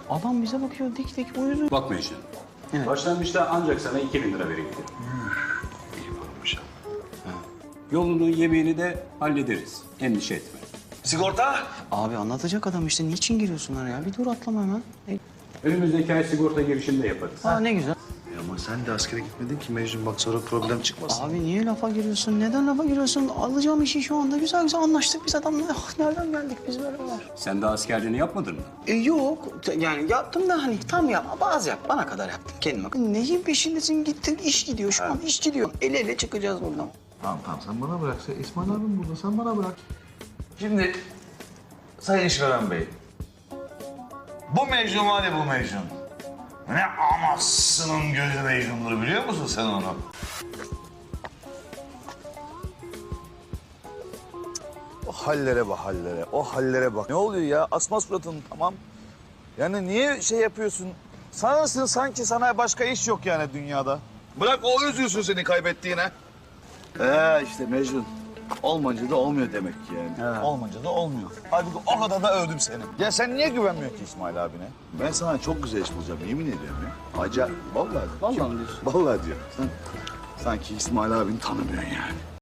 Adam bize bakıyor dik dik uyudu. Bak Mecnun. Evet. Başlangıçta ancak sana 2000 lira vereyim. İyi varmış. Yolunu, yemeğini de hallederiz. Endişe etme. Sigorta? Abi anlatacak adam işte niçin giriyorsun araya? Bir dur atlama hemen. Önümüzdeki ay sigorta girişinde yaparız. Aa ne güzel. Ama sen de askere gitmedin ki Mecnun, bak sonra problem çıkmasın. Abi niye lafa giriyorsun? Neden lafa giriyorsun? Alacağım işi şu anda güzel güzel anlaştık biz adamla. Ah, nereden geldik biz böyle var? Sen daha askerliğini yapmadın mı? Yok yani yaptım da hani tam yapma bazı yap bana kadar yaptım kendime. Neyin peşindesin gittin iş gidiyor şu an iş gidiyor. El ele çıkacağız buradan. Tamam sen bana bırak. İsmail abim burada, sen bana bırak. Şimdi Sayın İşveren Bey, bu Mecnun var ya bu Mecnun. Ne amasının gözü Mecnun'dur biliyor musun sen onu? O hallere bak hallere, o hallere bak. Ne oluyor ya? Asma suratın tamam. Yani niye şey yapıyorsun? Sanırsın sanki sana başka iş yok yani dünyada. Bırak o üzülsün seni kaybettiğine. İşte Mecnun. Olmayınca da olmuyor demek ki yani. Olmayınca da olmuyor. Halbuki o kadar da övdüm seni. Ya sen niye güvenmiyorsun ki İsmail abine? Ben sana çok güzel iş bulacağım, yemin ediyorum ya. Acayip, vallahi. Vallahi mi diyorsun? Vallahi diyorum. Sen sanki İsmail abini tanımıyorsun yani.